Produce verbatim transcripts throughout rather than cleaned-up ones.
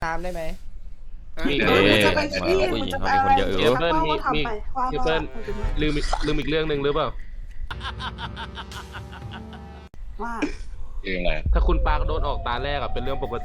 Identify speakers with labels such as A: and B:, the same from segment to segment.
A: ตามได้ไหม
B: มี
C: เอ๊ะ
D: จะไปที่
C: ผู้หญิง
D: จะ
C: เขา
D: ไป
C: มีคนเยอะ
B: เจ
C: อยู่
B: เปิ้ลมีมีเจเปิ้ลลืมลืมอีกเรื่องหนึ่งหรือเปล่า
D: ว่า
E: เรื่องอะไร
B: ถ้าคุณปาร์คโดนออกตาแรกอะเป็นเรื่องปกติ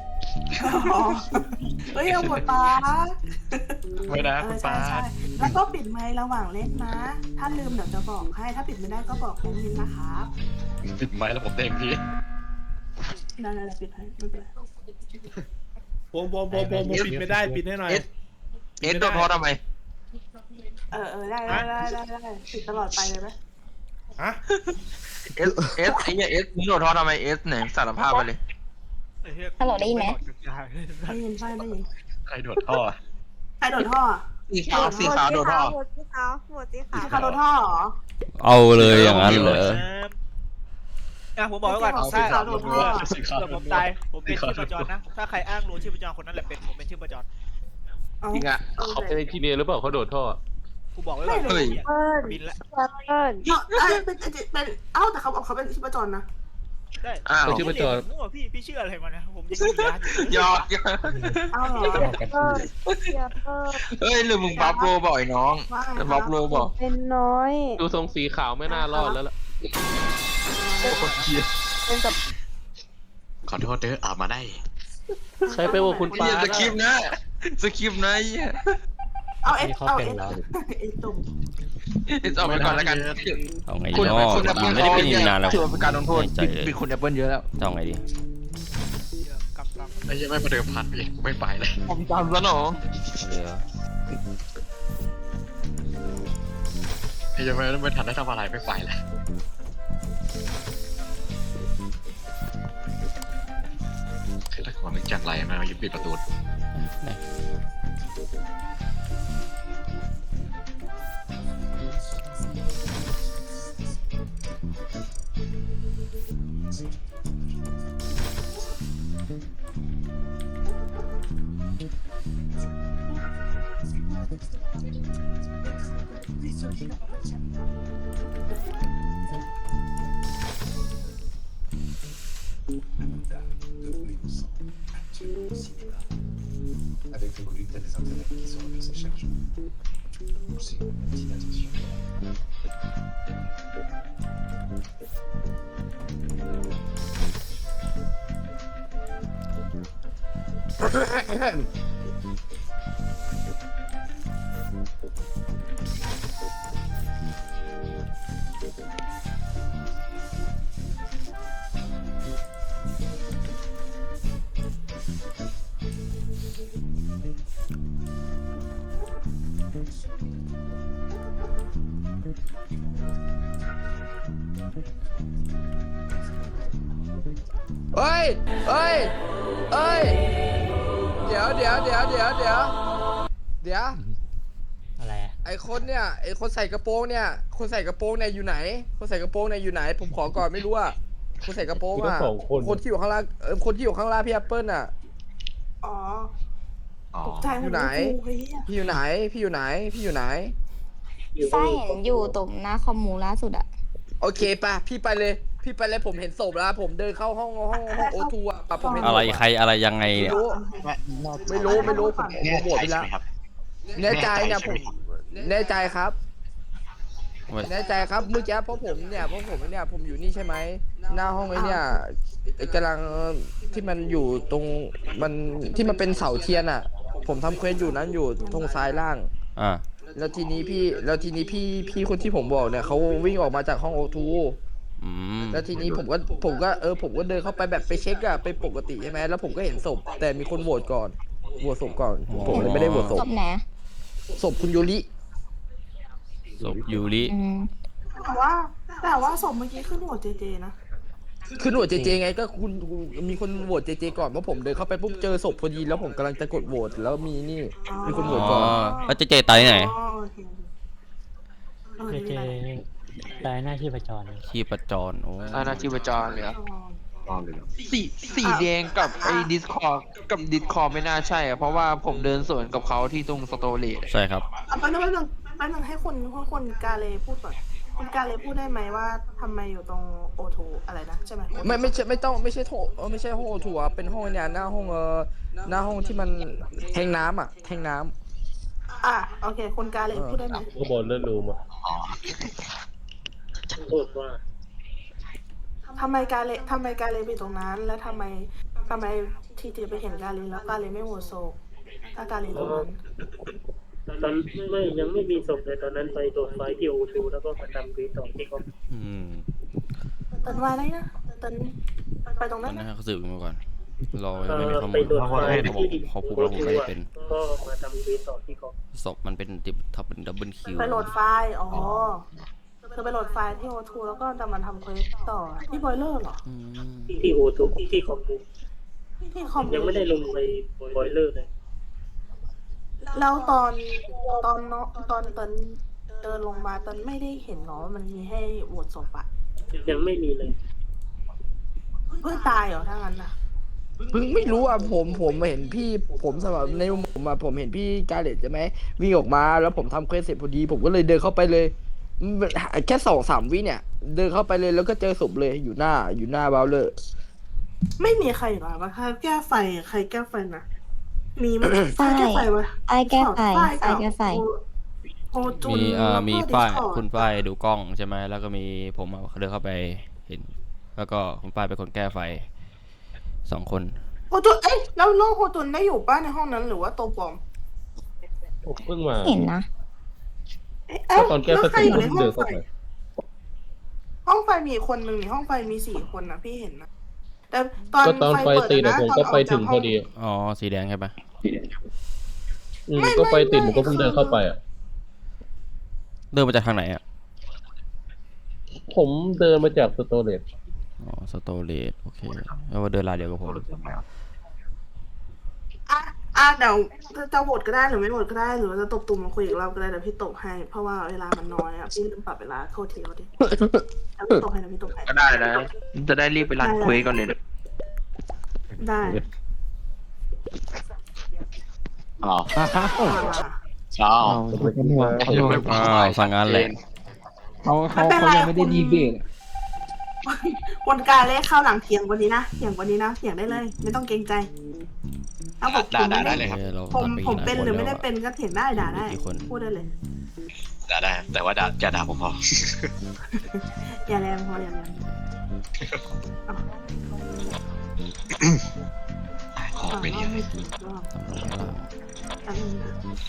D: เฮ้ยเอาหมดปา
E: ไม่นะ
D: เอ
E: คุ
D: อ
E: ณ
D: ใช่
E: ป้า
D: ใช่แล้วก็ปิดไมค์ระหว่างเล่นนะ ถ้าลืมเดี๋ยวจะบอกให้ถ้าปิดไม่ได้ก็บอกน้องมินนะครับ
E: ปิดไม้แล้วผมเต็มที่
D: ได้ได้ปิดให้ไม่เป็นไร
F: ผมผมผมผมปิดไม่ได้ปิดให้หน่อย
G: เอสเอสโดนพอทำไม
D: เออเออได้ได้ได้ได้ได้ปิดตลอดไปเลยไหม
F: ฮะ
G: เอสเอสไอ้เนี่ยเอสมึงโดนทอทำไมเอสไหนสารภาพไปเลย
H: ฮัลโหลได้ยินไหม
D: ได้ยินไฟได้ยิน
E: ใครโดดท่อ
D: ใครโดนท่อ
G: สีขาวสีขาวโดนทอ
H: หมดสีขาวหมดสีขาว
D: ใครโดนท่อเหรอ
C: เอาเลยอย่างนั้นเหรอ
I: อ่ะผมบอกไว้ก่อน
D: เอาสี
I: ถ้า
D: ขาวโดนท่อ
E: สีขาว
I: เกิดผมตายผมเป็นชื่อประจรนะ ถ้าใครอ้างรู้ชื่อประจรคนนั้นแหละเป็นผมเป็นชื่อประจร
D: เอา
G: จริงอะ
B: เขาเป็นที่เนียหรือเปล่าเขาโดดท่อ
I: กูบอกไว้ก่อน
G: เฮ้ย
H: เปิ้ล
I: บินละ
H: เปิ้ล
D: เนาะเอ้ยเป็นเป็นเอ้าแต่เขาเขาเป็นชิปจรนะ
I: ได้
G: อ้าว
B: เป็นชื่อประจร
I: มั่วพี่พี่ชื่ออะไรมานะผมยังมียาอยู่
G: หยอกหยอก
D: เอ้าเหรอ
H: เปิ้ลเปิ้ลเปิ้ล
G: เฮ้ยหรือมึงบัฟโรบ่อยน้อง
D: ว่าไง
G: แต่
D: ค
G: บั
D: รับ
G: ฟโรบอก
H: เป็นน้อย
B: ดูทรงสีขาวไม่น่ารอดแล้วล่ะ
H: เป็นกับ
E: ขอโทษเด้ออามาได้
B: ใครไปว่าคุณ
G: เฮี
B: ปาย ร์
G: ส
B: ค
G: คริปต์นะสคริปต์นะเฮีย
D: เอาเอสเอาเอสเอสตุ่ม
G: เอสออกไปก่อนแล้วกัน
C: เอาไงดี
G: คุณ
C: เนาะ
G: คุณแอปเปิล
C: ไม่ได้เป็นนานแล้ว
G: ถือว่าเป็นการลงโทษ
C: ใจเลย
G: บิดคุณแอปเปิลเยอะแล้ว
C: เอาไงดี
I: กำลัง
E: ไอ้ยังไม่มาเดิมพันพี่ไม่ไปเลย
G: ผมจำซะหนอ
C: เดี๋ยว
E: ไอ้ยังไม่ไม่ทันได้ทำอะไรไม่ไปเลยคือถ้าคนนึกจังไรมายึดปิดประตู
C: ไหน
J: Avec le collecte des intérêts qui sont reversés chaque jour. Aussi, une petite attention.
A: เฮ้ยเฮ้ยเฮ้ยเดี๋ยวเดี๋ยวเดี๋ยวเดี๋ยวเดี๋ยวเดี๋ยว
F: อะไรอะ
A: ไอคนเนี่ยไอคนใส่กระโปรงเนี่ยคนใส่กระโปรงเนี่ยอยู่ไหน คนใส่กระโปรงเนี่ยอยู่ไหน ผมขอก่อนไม่รู้อะคนใส่กระโปรงอะคนที่อยู่ข้างล่างเออคนที่อยู่ข้างล่างพี่แอปเปิลอะ
D: อ๋อ
E: อ๋อ
D: ตกใจหมดเลยเฮ้ย
A: พี่อยู่ไหน พี่อยู่ไหน พี่อยู่ไหน
H: ไส้เห็นอยู่ตรงหน้าคอมมูล่าสุดอะ
A: โอเคป่ะ พี่ไปเลย พี่ไปเลยผมเห็นศพแล้ว ผมเดินเข้าห้องห้องห้องโอทูอ่ะป่ะผมเห็นศพ
C: อะไรใครอะไรยังไง
A: ไม่
C: เนี่ย
A: รู้ ไม่รู้ ไม่รู้ ผมผมโหวตไปแล้ว แน่ใจเนี่ยผม แน่ใจครับ แน่ใจครับ เมื่อกี้เพราะผมเนี่ย เพราะผมเนี่ย ผมอยู่นี่ใช่ไหม หน้าห้องไอ้เนี่ยกำลังที่มันอยู่ตรง มันที่มันเป็นเสาเทียนอ่ะ ผมทำเควสอยู่นั้นอยู่ตรงซ้ายล่าง
C: อ่า
A: แล้วทีนี้พี่ แล้วทีนี้พี่พี่คนที่ผมบอกเนี่ยเขาวิ่งออกมาจากห้องโอทู
C: อืม
A: แล้วทีนี้ผมก็ผมก็เออผมก็เดินเข้าไปแบบไปเช็คอะไปปกติใช่ไหมแล้วผมก็เห็นศพแต่มีคนโหวตก่อนโหวตศพก่อน ผมเลยไม่ได้โหวตศพ
H: จบไหน
A: ศพคุณยูริ
C: ศพยูริ
H: อืม
D: แต่ว่าแต่ว่าศพเมื่อกี้ขึ้นหัวเจเจนะ
A: คือโหวตเจเจไงก็คุณคุณมีคนโหวตเจเจก่อนเพราะผมเดินเข้าไปปุ๊บเจอศพพอดีแล้วผมกำลังจะกดโหวตแล้วมีนี่มีคนโหว
C: อ๋
A: ต
C: อ
A: ก่อน
C: แล้วเจเจตายที่ไหน
D: อ๋อโอเคเออ
F: เจ
D: นี่
F: เจ
D: แหละ
F: ตายหน้าที่ประจร
C: ชีพจรโอ้
G: อาณาจิวจรเลยอะ
E: รอดเลย
G: สีสีแดงกับไอ้ดิสคอร์กับดิสคอร์ไม่น่าใช่อะเพราะว่าผมเดินสวนกับเขาที่ตรงสโตเลต
C: ใช่ครับ
D: เอาแป๊บนึงแป๊บนึงแป๊บนึงให้คนให้คนกาเลพูดก่อนคุณการเลยพูดได้ไหมว่าทำไมอยู่ตรงโอทูอะไรนะใช่ไหม
A: ไม่ไม่ใช่ไม่ต้องไม่ใช่โถเออไม่ใช่ห้องถั่วเป็นห้องเนี่ยหน้าห้องเออหน้าห้องที่มันแทงน้ำอ่ะแทงน้ำ
D: อ่ะโอเคคุณการเลยพูดได้ไหม
B: ข้างบนเลื่อนรูมอ่ะ
E: อ๋อ
B: พูดว่า
D: ทำไมการเลยทำไมการเลยไปตรงนั้น แล้วทำไมทำไมทีทีไปเห็นการเลยแล้วการเลยไม่โหวตโศกถ้าการเลยตรงนั้น
K: ตอนไม่ยังไม่มีศพเลยตอนนั้นไปตรวจไฟที่โอทูแล้วก็มาทำรีสอร์ทที่เขา
C: อืม
D: เตินว่าอะไรนะเตินไปตรง
C: ตอ
D: นั้น น
C: นั้น
D: นะ
C: เขาสืบกันมาก่อนรอ
K: เอ่
C: ไม่มี
K: อ
C: ข้อ
K: ไป
C: มูล
K: ตรวจ
C: เขา
K: ไฟ
C: บอก
K: ที่
C: เขาพูด
K: โอ
C: ว่าผม
K: ทู
C: ไม่ได้
K: อ่ะ
C: เป็น
K: ก็มาทำรีสอร์ทที่เขา
C: ศพมันเป็นติดทับเป็นดับเบิลคิว
D: ไปโหลดไฟล์อ๋อคือไปโหลดไฟล์ที่โอทูแล้วก็จะมาทำเควสต่อที่บอยเลอร์เหรอ
C: อืม
K: ที่โอทูที่คอมมู
D: ที่คอม
K: ยังไม่ได้ลงไปบอยเลอร์เลย
D: แล้วตอนตอนเนาะตอนเตินเดินลงมาเตินไม่ได้เห็นเนาะมันมีให้โหวตศพอะ
K: ยังไม่มีเลย
D: เพิ่งตายเหรอถ้างั้นน่ะ
A: เพิ่งไม่รู้อ่ะผมผมเห็นพี่ผมสำหรับในมุมผมอ่ะผมเห็นพี่กาเลตใช่ไหมวิ่งออกมาแล้วผมทำเควสเสร็จพอดี ผมก็เลยเดินเข้าไปเลยแค่สองสามวิเนี่ย เดินเข้าไปเลยแล้วก็เจอศพเลยอยู่หน้าอยู่หน้าเบลเลอร์
D: ไม่มีใครหรอวะใครแก้ไฟใครแก้ไฟนะมีไหมใคร
H: ใช่
D: แก้ไฟวะ
H: ไอ้แก้ไฟ
D: ฝ้าย
H: ไอ้
D: กับ
H: แก้ไฟ
D: โอโอจุน
C: มีเอ่อ
D: แล้วก็
C: มีฝ้าย
D: Discord
C: คุณฝ้ายดูกล้องใช่ไหมแล้วก็มีผมอะเดินเข้าไปเห็น แล้วก็คุณฝ้ายเป็นคนแก้ไฟสองคน
D: โอจุนเอ้ยแล้วน้องโอจุนได้อยู่ป้าในห้องนั้นหรือว่าตัวปลอม
B: ผมเพิ่งมา
H: เห็นนะ
D: เอ้ยเอ้า
B: ตอนแก้
D: แล้ว
B: ส
D: ใคร
B: ติ
D: อยู่ใน
B: ผม
D: ห้อ
B: เดิ
D: ง
B: น
D: ไฟ
B: เข้าไป
D: ห้องไฟมีอีกคนหนึ่งนี่ห้องไฟมีสี่คนนะพี่เห็นนะแต่ตอน
B: ก็ตอนไฟ
D: เปิด
B: ติด
D: นะ
B: อะผม
D: ตน
B: ก็
D: ออ
B: ไปถึง
D: จาก
B: พ
D: ห้
B: อดี
C: อ๋อสีแดงใช่ปะ
B: อืมก็ไฟติดผมก็เพิ่งเดินเข้าไปอ่ะ
C: เดินมาจากทางไหนอ่ะ
B: ผมเดินมาจากสโตเรจ
C: อ๋อสโตเลตโอเคแล้วว่าเดินลายเดียวกับผม
D: อ่ะอ่ะเดี๋ยวจะโหวตก็ได้หรือไม่โหวตก็ได้หรือว่าจะตบตุ่มมาคุยอีกรอบก็ได้เดี๋ยวพี่ตบให้เพราะว่าเวลามันน้อยอ่ะพี่ลืมปรับเวลาโทษทีโทษทีเดี๋ยวพี่ตบให้เดี๋ยวพี่ตบให้
G: ก็ได้นะจะได้รีบไปรันเควสก่อนเลยนะ
D: ได้
E: อ๋อ
D: อ่า
E: อ๋อ
C: อ้าวสั่งงานแหละ
G: เขาเขาเขายังไม่ได้ดีเบต
D: คนกลารเลขเข้าหลังเถียงวันนี้นะเถียงวันนี้นะเถียงได้เลย ไม่ต้องเกรงใจถ้าผม
E: ได้
D: ผม
E: ได้
D: ไม่
E: ได้
D: ได้
E: เลยครับ
C: เออเรา
D: ผม
C: ตัดไป
D: ผม
C: กี่
D: เป็น
C: ค
D: หรือไม่
C: แล้
D: ได้
C: วะ
D: เป็นก็เถียงได้ด่าได้
C: กี่คน
D: พูดได้เลย
E: ได้ได้แต่ว่าด่าอย่าด่าผมพอ
D: อย่าแรงพออย่าแรง
E: ขอ
D: อ่า
E: ไปเรียน
D: ไม่ถูกรอบ
C: ทำลงข้างล่าง
D: อันนี้นะ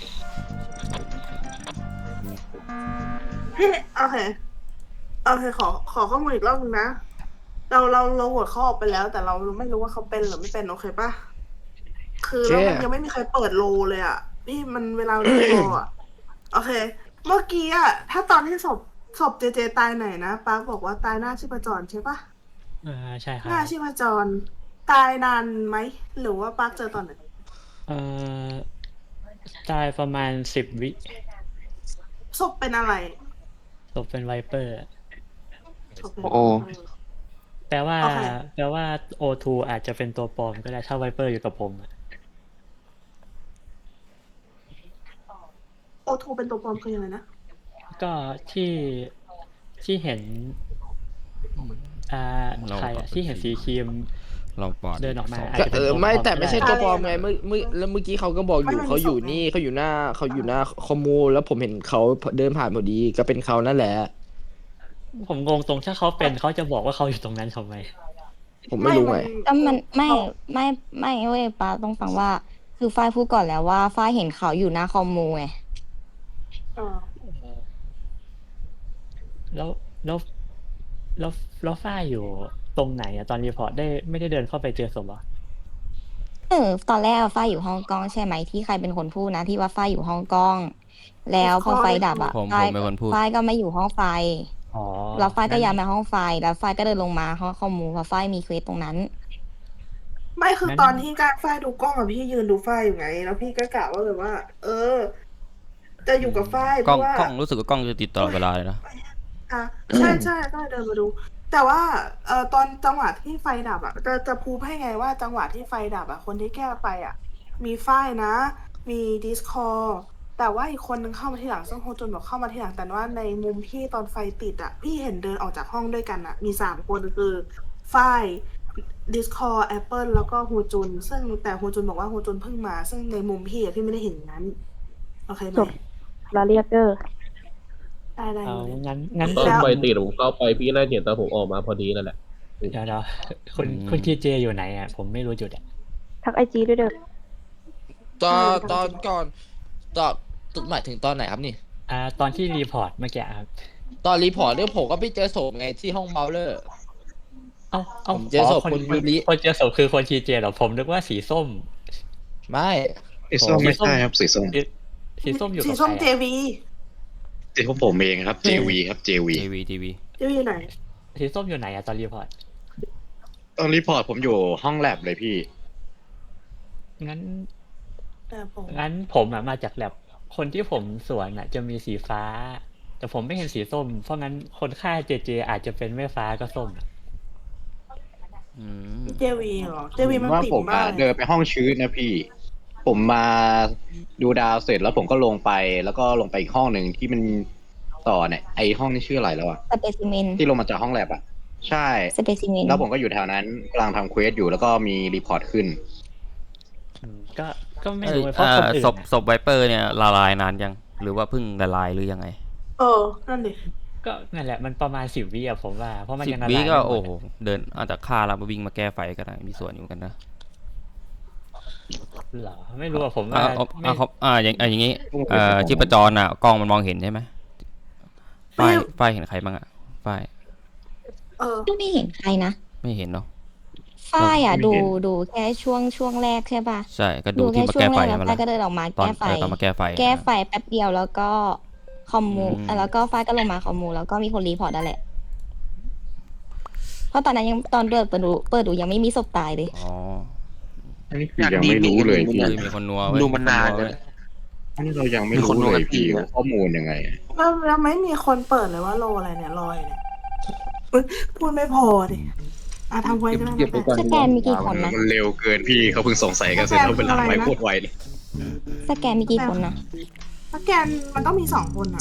D: พี่โอเคโอเคขอขอข้อมูลอีกรอบนึงนะเราเราเราโหวตเขาออกไปแล้ว แต่เราไม่รู้ว่าเขาเป็นหรือไม่เป็นโอเคปะคือแล้วมันยังไม่มีใครเปิดโลเลยอ่ะพี่มันเวลาเรียกโลอ่ะโอเค เมื่อกี้อ่ะถ้าตอนที่ศพศพเจเจตายไหนนะป้าบอกว่าตายหน้าชีพจรใช่ปะ
K: อ่าใช่ครั
D: หน้า
K: บ
D: ชีพจร ตายนานไหมหรือว่าป้าเจอตอนไหน
K: เอ่อตายประมาณสิบวิ
D: ศพเป็นอะไร
K: ตกเป็นไวเปอร์
D: ศพเป็น
G: โอ้
K: แปลว่า
D: โอเค
K: แปลว่าโอทูอาจจะเป็นตัวปลอมก็ได้ถ้าไวเปอร์อยู่กับผมอะ
D: โอทูเป็นตัวปลอมคือยังไงนะ
K: ก็ที่ที่เห็น อ่า
C: เรา
K: ใครอะที่เห็นสีครีม
C: เราปอด
K: เดินออกมา
C: สง
K: อาจ
A: ก็
K: จะ
A: เอ
K: เป็น
A: อ
K: ตัวปลอม
A: ไม่แต่ไม่ใช่
K: ก็ด้
A: ตัวปลอมไงเมื่อเมื่อแล้วเมื่อกี้เขาก็บอกอยู่
D: ไม่มันมี
A: เขาอยู่
D: ศพ
A: นี่เขาอยู่หน้าเขาอยู่หน้าคอมมูแล้วผมเห็นเขาเดินผ่านพอดีก็เป็นเขานั่นแหละ
K: ผมงงตรงถ้าเขาเป็นเขาจะบอกว่าเขาอยู่ตรงนั้นทำไม
A: ผมไม่รู้ไง
H: ก็มันไม่ไม่ไม่เว้ยป้าต้องฟังว่า คือฝ้ายพูดก่อนแล้วว่าฝ้ายเห็นเขาอยู่หน้าคอมมูไง
D: เออ
K: แล้วแล้วแล้วแล้วฝ้ายอยู่ตรงไหนอะตอนรีพอร์ตได้ไม่ได้เดินเข้าไปเจอศพเหรอ
H: เออตอนแรกอะฝ้ายอยู่ห้องกล้องใช่ไหมที่ใครเป็นคนพูดนะที่ว่าฝ้ายอยู่ห้องกล้อง แล้วพอไฟดับอะ
C: ผมผ
H: ฝ้าย
C: มเป็นคนพูด
H: ฝ้ายก็ไม่อยู่ห้องไฟ
K: อ๋อ
H: แล้วฝ้ายก็ย้ายมาห้องไฟแล้วฝ้ายก็เดินลงมาห้องคอมมูเพราะฝ้ายมีเควสตรงนั้น
D: ไม่คือตอนที่การฝ้ายดูกล้องอะพี่ยืนดูฝ้ายอยู่ไง แล้วพี่ก็กะว่าแบบว่า เออ จะอยู่กับฝ้ายเพ
C: กล้อง
D: ราะว่าก
C: ล้องรู้สึกว่ากล้องจะติดตลอดเวลาเลยนะ
D: อ่ะใช่ใช่ก็เลยเดินมาดู แต่ว่าเอ่อตอนจังหวะที่ไฟดับอ่ะจะจะพูดให้ไงว่าจังหวะที่ไฟดับอ่ะคนที่แก้ไฟอ่ะ มีฝ้ายนะ มีดิสคอร์แต่ว่าอีกคนนึงเข้ามาทีหลังซึ่งโฮจุนบอกเข้ามาทีหลังแต่ว่าในมุมพี่ตอนไฟติดอ่ะพี่เห็นเดินออกจากห้องด้วยกันอ่ะมีสามคนคือฝ้ายดิสคอร์แอปเปิลแล้วก็โฮจุนซึ่งแต่โฮจุนบอกว่าโฮจุนเพิ่งมาซึ่งในมุมพี่อะพี่ไม่ได้เห็นอย่างนั้นโอเคไหม
H: ลาเรียเกอร์
D: ได้ได้
K: เอางั้นงั้น
B: ตอน
D: แล้ว
B: ไฟตีผมเข้าไปพี่น่าจะเห็นตอนผมออกมาพอดีนั่นแหละ
K: เดี๋ยวเดี๋ยวคุณคุณทีเจอยู่ไหนอ่ะผมไม่รู้จุดอ่ะ
H: ทักไอจีด้วยเด้อ
A: ตอนตอนก่อนตอนหมายถึงตอนไหนครับนี่
K: อ่าตอนที่รีพอร์ตเมื่อกี้ครับ
A: ตอนรีพอร์ตเนี่ยผมก็ไปเจอศพไงที่ห้องเมาเลอร์
K: เอ้าเอ้า
A: ผมเจอศพ
K: คน
A: คุณยูริ
K: คนเจอศพคือคนทีเจเหรอผมนึกว่าสีส้ม
A: ไม่
E: สีส้มไม่ใช่ครับสีส้ม
K: สีสีส้มอยู่
D: สี
K: กับ
D: ส้ม
K: ใค
D: เจ
K: รอะ
D: วี
E: สีของผมเองครับ เจ วี ครับ เจ วี
C: ทีวีทีวี
D: เจวีไหน
K: สีส้มอยู่ไหนอะตอนรีพอร์ต
E: ตอนรีพอร์ตผมอยู่ห้องแลบเลยพี่
K: งั้น
D: แต่ผม
K: งั้นผมอะมาจากแลบคนที่ผมสวนอะจะมีสีฟ้า แต่ผมไม่เห็นสีส้ม เพราะงั้นคนฆ่าเจเจอาจจะเป็นไม่ฟ้าก็ส้มอะ
C: อืม
D: เจวีเหรอเจวีมัน
E: ว่า
D: ติด
E: ผม
D: มา
E: อะ
D: ก
E: เดินไปห้องชื้นนะพี่ ผมมาดูดาวเสร็จแล้วผมก็ลงไป แล้วก็ลงไปอีกห้องหนึ่งที่มันต่อเนี่ยไอห้องนี้ชื่ออะไรแล้วอะ
H: สเปซิเมน
E: ที่ลงมาจากห้องแลบอะใช่
H: สเปซิเมน
E: แล้วผมก็อยู่แถวนั้นกำลังทำเควสอยู่แล้วก็มีรีพอร์ตขึ้น
K: อืมก็ก็ไม่
C: เอ้ย
K: รู้เพราะ
C: อ่า
K: คนอื่น
C: ศพ
K: อะ
C: ศพไวเปอร์เนี่ยละลายนานยัง หรือว่าเพิ่งละลายหรือยังไง
D: เออนั่นดิ
K: ก็นั่นแหละมันประมาณสิบวิอะผมว่า เพราะมัน
C: สิบ
K: ยังละ
C: วิ
K: ลาย
C: ก็
K: ไม่หม
C: โอ้
K: ด
C: โห
K: อะ
C: เดินอาจจะฆ่าแล้วมาวิ่งมาแก้ไฟก็ได้มีส่วนอยู่กันนะ
K: เหรอไม่รู้อะผม
C: อ่า
K: ว่า
C: เอา
K: ไม่
C: อ่าเขาอ่าอย่างอ่าอย่างงี้เอ่อชีพจรอ่ะกล้องมันมองเห็นใช่ไหมฝ้ายฝ้ายเห็นใครบ้างอ่ะฝ้าย
D: เออ
H: ไม่เห็นใครนะ
C: ไม่เห็นเนาะ
H: ฝ้ายอ่ะ
E: ไม่
H: ดู
E: เห็น
H: ดูแค่ช่วงช่วงแรกใช่ป่ะ
C: ใช่ก็ดู
H: ดู
C: ที่
H: แค่
C: มา
H: ช่ว
C: แก้
H: ง
C: ไฟ
H: แรกแล้ว
C: ใช่ไหม
H: ฝ้าย
C: ล่ะ
H: ก็เดินออกมา
C: ตอน
H: แก้ไฟ
C: เออตอนมาแก้ไฟ
H: แก้ไฟแป๊บเดียวแล้วก็คอมมู
C: อืม
H: แล้วก็ฝ้ายก็ลงมาคอมมูแล้วก็มีคนรีพอร์ตนั่นแหละ เพราะตอนนั้นยังตอนเปิดเปิดดูเปิดดูยังไม่มีศพตายเลย
C: อ๋อ
E: อันนี้คือยังไม่รู้เลยพี่
C: เฮ้ยมีคนนัวเว้ย
G: ดูมันนาน
C: ค
G: เล
C: ว
G: ย
E: อันนี้เรายังไม่
G: มีคน
E: รู้
G: รู้
E: เลย
G: กัน
E: พี่
G: จริงอะ
E: ว่าข้อมูลยังไง
D: แล้วแล้วไม่มีคนเปิดเลยว่าโลอะไรเนี่ยลอยเนี่ยอุ๊ยพูดไม่พอดิอ่ะทำไว้ก็ได้
B: เก็บไปก่อน
H: สแกนมีกี่คนนะ
E: มันเร็วเกินพี่เขาเพิ่งสงสัยกันเสร็จแล้วเวลาไปโคตรไวเลย
H: สแกนมีกี่คนนะ
D: สแกนมันต้องมีสองคนอ่ะ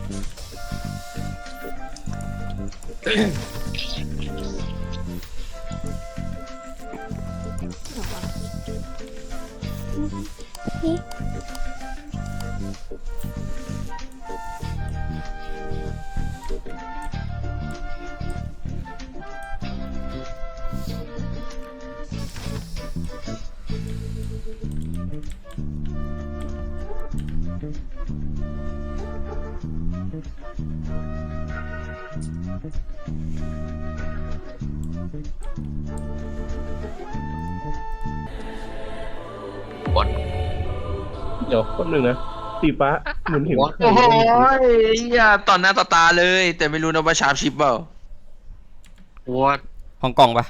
B: เดี๋ยวคนหนึ่งนะ สีฟ้าเหมือนเห็นใคร
G: โอ้โห
B: บ้าง
G: เหี้ยต่อหน้าต่อตาเลย แต่ไม่รู้นะว่าชาร์ปชิปเปล่า
E: ว่า
C: ห้องกงปะ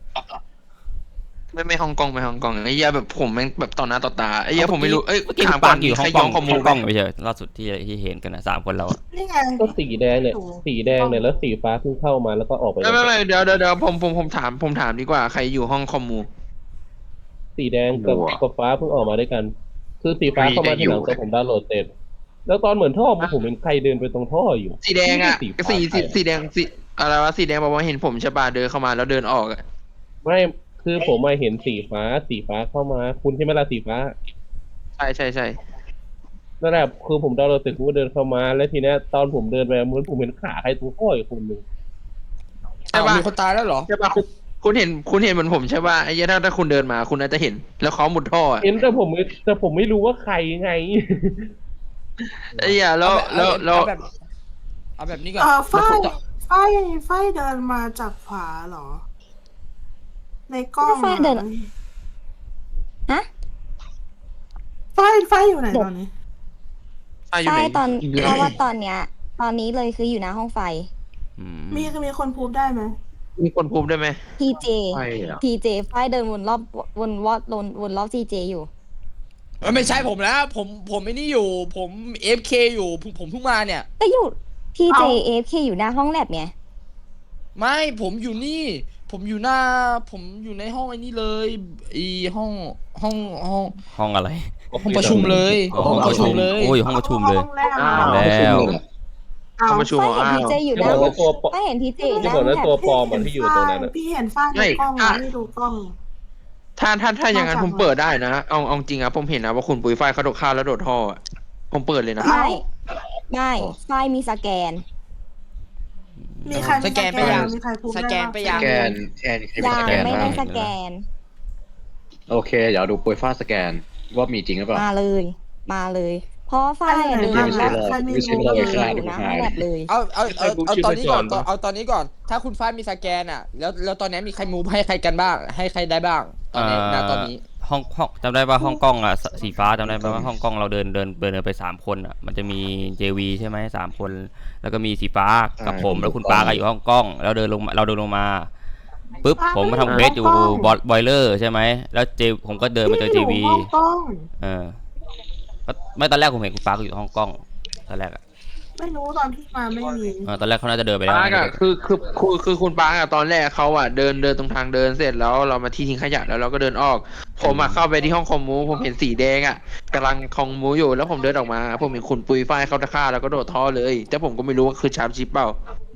G: ไม่ไม่ฮ่องกงไม่ฮ่องกงไอ้เหี้ยแบบผมแม่งแบบต่อหน้าต่อตาไอ้เหี้ยผมไม่รู้เอ้ย
C: เมื่อกี้
G: ถาม
C: ปา
G: ก่อก น
C: อยู่ห้
G: ใค
C: อ
G: รง
C: ก
G: ย้อง งข้อมู
C: ห้
G: ล
C: อง
G: ไห
C: ก
G: ม
C: งไม่ใช่ล่าสุดที่ที่เห็นกันนะสามคนเราอะ
D: นี่ไง
B: ก็สีแดงเนี่ย สีแดงเนี่ยแล้วสีฟ้าเพิ่งเข้ามาแล้วก็ออกไป
G: ไม่ไม่ไม่เดี๋ยวเดี๋ยวเดี๋ยวผมผมผมถามผมถามดีกว่าใครอยู่ห้องคอมมู
B: สีแดงกับกับฟ้าเพิ่งออกมาด้วยกัน คือสีฟ้าเข้ามาทีหลังแต่ผมดาวน์โหลดเสร็จ แล้วตอนเหมือนท่อมาผมเห็นใครเดินไปตรงท่ออยู่
G: สีแดงอ่ะ
B: ไม่
G: สี
B: ใช่
G: สี
B: ฟ้า
G: สีแดงสีอะไรวะสีแดงบอกว่าเห็นผมใช่ป่ะเดินเข้ามาแล้วเดินออกอ่ะ
B: ไม่คือผมมาเห็นสีฟ้า สีฟ้าเข้ามา คุณใช่ไหมล่ะสีฟ้า
G: ใช่ใช่ใช่
B: นั่นแหละคือผมดาวน์โหลดเสร็จผมก็เดินเข้ามา แล้วทีเนี้ยตอนผมเดินไปเหมือนผมเห็นขาใครตรงท่ออยู่คนหนึ่ง
G: ใช่ป่ะ
A: มีคนตายแล้วเหรอ
G: ใช่ป่ะคุณคุณเห็นคุณเห็นเหมือนผมใช่ป่ะไอ้เหี้ยถ้าถ้าคุณเดินมาคุณน่าจะเห็น แล้วเขาหมุดท่ออะ
B: เห็นแต่ผมไม่แต่ผมไม่รู้ว่าใครไง
G: ไอ้เหี้ยแล้วแล้วแล้ว
A: เอาแบบเอาแบบนี้ก่อน
D: เออฝ้าย
A: แล้ว
D: ฝ้ายฝ้ายเดินมาจากขวาเหรอ ในกล้อง
H: ฝ้ายเดิน ฮะ
D: ฝ้ายฝ้ายอยู่ไหนตอนนี้
G: อ่ะอยู่
H: ใช่
G: ไหน
H: ตอนเพราะว่าตอนเนี้ย ตอนนี้เลยคืออยู่หน้าห้องไฟ
C: อืม
D: มีมีคนพูดได้ไหม
G: มีคนพูดได้ไหม
H: ทีเจ
E: ใช่เหรอ
H: ทีเจฝ้ายเดินวนรอบวนวอดวนวนรอบทีเจอยู่
A: เอ้ยไม่ใช่ผมแล้วผมผมไอ้นี่อยู่ ผมเอฟเคอยู่ผมผมเพิ่งมาเนี่ย
H: ก็อยู่ทีเจ
D: เอ้า
H: เอฟเคอยู่หน้าห้องแลบไง
A: ไม่ผมอยู่นี่ ผมอยู่หน้า ผมอยู่ในห้องไอ้นี่เลยไอีห้องห้องห้อง
C: ห้องอะไรห้องประชุมเลยห้องประชุมเลยโอ้ยห้องประชุมเลย
D: ห้องแรก
G: อ้า
D: อะ
G: ว
C: แล้ว
D: เอา
G: ห้องประชุม
H: ฝ้ายเห็น
G: อ้าว
H: ทีเจอยู่
B: ที่
H: นะ
B: บอกว่าตัวปลอม
H: ฝ้ายเห็นทีเจ
B: ที่
H: นะ
B: บอกว่า
H: แบบ
B: ตัวปลอมอะที่อยู่ตรงนั้นอะ
D: พี่เห็นฝ้ายในกล้องอะไม่ดูกล้อง
G: ถ้าถ้าถ้าอย่างนั้น
D: มาจาก
G: ผมเปิดได้นะเอาเอาจริงอะผมเห็นนะว่าคุณปุ้ยฝ้ายเขาโดดข้าวแล้วโดดท่ออะผมเปิดเลยนะ
H: ไม่ไม่ฝ้ายมีสแกน
D: มีใคร
I: สแกนไปยัง
D: มีใครพูด
I: สแกนไป
D: ด้
I: ยั
D: บ้าง
E: แกนแอนใคร
H: ยั
E: ส
H: ง
E: แกน
H: ไม่
E: บ้า
H: ได้
E: ง
H: สแกน
E: โอเค เดี๋ยวดูปุยฟ้าสแกนว่ามีจริงหรือเปล่า
H: มาเลย มาเลย เพราะฝ้ายอะเดิน
E: ไม่
H: มา
E: ใช่
H: แล้ว
E: เรา
D: ใครมี
E: ไม่ใช่
D: รู้
E: เรา
D: เล
E: ไป
D: ย
E: ฆ่า
H: อยู่นะห้องแลบเลย
A: เอาเอาเอาเอาตอนนี้ก่อน
B: ชีพจรปะ
A: เอาตอนนี้ก่อน ถ้าคุณฝ้ายมีสแกนอ่ะ แล้วแล้วตอนนี้มีใครมูฟให้ใครกันบ้าง ให้ใครได้บ้าง ตอนนี้ณตอนนี้
C: ห้องห้องจำได้ป่ะห้องกล้องอ่ะสสีฟ้าจำได้ป่ะว่าห้องกล้องเราเดินเดินเดินไปสามคนอ่ะมันจะมี เจ วี ใช่ไหมสามคน แล้วก็มีสีฟ้ากับผมแล้วคุณปาก็อยู่ห้องกล้องแล้วเดินลงมาเราเดินลงมาปุ๊บผมมาทำเควสอยู่บอลเลอร์ใช่ไหมแล้วเจผมก็เดินมาเจอ เจ วี
D: พี่อยู่ห้องกล้อง
C: เออก็ไม่ตอนแรกผมเห็นคุณปาก็อยู่ห้องกล้องตอนแรกอ่ะ
D: ไม่รู้ตอนที่มาไม่มี
C: เออตอนแรกเขาน่าจะเดินไปแล้ว
G: ปาร์กอะคือคือคือคือคุณปาร์กอะตอนแรกเขาอะเดินเดินตรงทางเดินเสร็จแล้วเรามาที่ทิ้งขยะแล้วเราก็เดินออก ผมอะเข้าไปที่ห้องคอมมูผมเห็นสีแดงอะกำลังคอมมูอยู่แล้วผมเดินออกมา ผมเห็นคุณปุยฝ้ายเขาตะฆ่าแล้วก็โดดท่อเลย แต่ผมก็ไม่รู้ว่าคือชาร์ปชิปเปล่า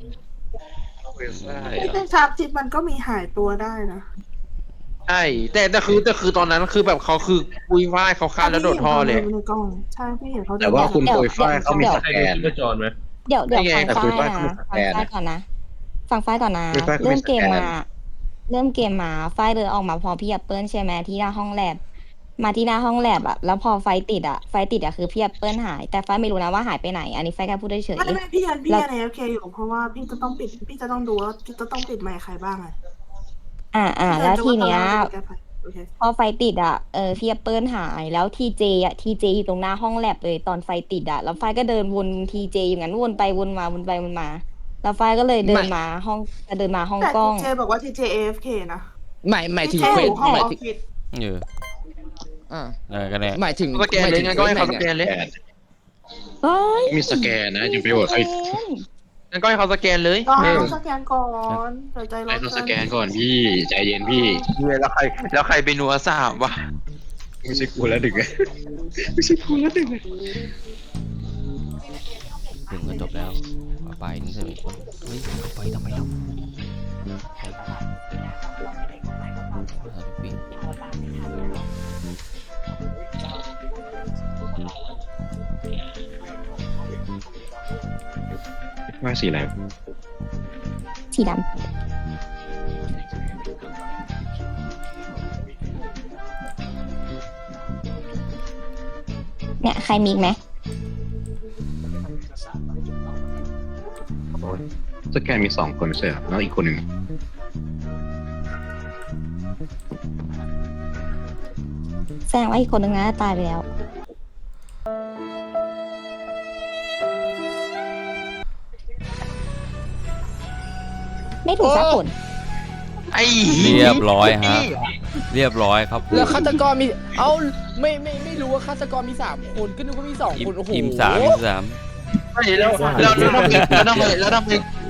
D: ที่เป็นชาร์ปจิตมันก็มีหายตัวได้นะ
G: ใช่แต่แต่คือแต่คือตอนนั้นคือแบบเขาคือปุยฝ้ายเขาฆ่าแล้วโดดท่อเลย
D: ในกล้องใช่พี่เห็นเขา
E: แต่ว่าคุณ
H: เดี๋ยว
E: ปุยฝ้ายเขามี
H: เดี๋ยว
E: ส
B: ใคร
E: แก
B: ดู
E: น
B: ชีพจรไหม
H: เดี๋ยวเดี๋ยว
G: นี่ไง
H: ฟังฝ้าย
E: แต่
H: นะ
E: คุ
H: ฟั
E: ณ
H: ง
E: ฝ้าย
H: ฝ้ายก่อนนะ ฟังฝ้ายก่อนนะ
E: คุณฝ้ายเขามี
H: เริ่มเกม
E: สแกน
H: มา เริ่มเกมมาฝ้ายเดินออกมาพอพี่แอปเปิลใช่ไหมที่หน้าห้องแลบมาที่หน้าห้องแลบอะแล้วพอไฟติดอะไฟติดอะคือพี่แอปเปิลหาย แต่ฝ้ายไม่รู้นะว่าหายไปไหน อันนี้ฝ้ายแค่พูดเฉย
D: ไม่ไม่พี่ยันพี่
H: แล้ว
D: ยันเอฟเคอยู่เพราะว่าพี่จะต้องปิดพี่จะต้องดูว่าจะต้องปิดไมค์ใครบ้างไง
H: อ่าอ่าแล้วทีเนี้ย
D: แก้ไขโอเค
H: พอไฟติดอ่ะ เออพี่แอปเปิลหาย แล้วทีเจอ่ะทีเจอยู่ตรงหน้าห้องแลบเลยตอนไฟติดอ่ะ แล้วไฟก็เดินวนทีเจอยู่งั้นวนไปวนมาวนไปวนมา แล้วไฟก็เลยเดินมาห้องจะเดินมาห้อง
D: แต่
H: กล้อง
D: ทีเจบอกว่าทีเจเอฟเคนะ
A: หมายหมายถึง
D: ที
A: เคว
D: เจอ
A: ส
D: ยู่ห้อง
A: หมาย
D: ออฟ
A: ถึง
D: ฟิศ
C: เออ
A: อ่า
C: เออก็เนี่ย
A: หมายถึง
G: สแกนเลยงั้นก็ให้เขาสแกนเลย
H: เฮ้ย
E: มีสแกนนะอย่าไปโหวตใคร
G: งั้นก็ให้เขาสแกนเลย
D: รอให้
G: เออ
D: เขาสแกนก่อนเดี๋ยวใจร้อ
E: ให้
D: น
E: เขาสแกนก่อนพี่ใจเย็นพี่
G: แล้วใครแล้วใครไปนัวสามวะ
E: ไม่ใช่กูแล้วดึกอะไม่ใช่กูแล้วดึกอะ
C: ถึงก็จบแล้วเอาไปนี่เถอะเฮ้ยเอาไปทำไมเราปิด
E: ว่าสีอะไร
H: สีดำเนี่ยใครมีอีกไหม
E: สแกนมีสองคนใช่ไหมแล้วอีกคนหนึ่ง
H: แสดงว่าอีกคนนึงน่าจะตายไปแล้ว ไม่ถูกสักคน
G: ไอ้
C: เรียบร้อยฮะ เรียบร้อยครับ
A: แล้วฆาตกรมี เอ้า ไม่ไม่ไม่รู้ว่าฆาตกรมีสามคน ก็นึกว่ามีสอง
C: อิม
A: คน โอ้โห
C: อิมสามอิมสาม
G: ไม่แล้วแล้วแล้วทำไมแล้วทำไมแล้วทำไม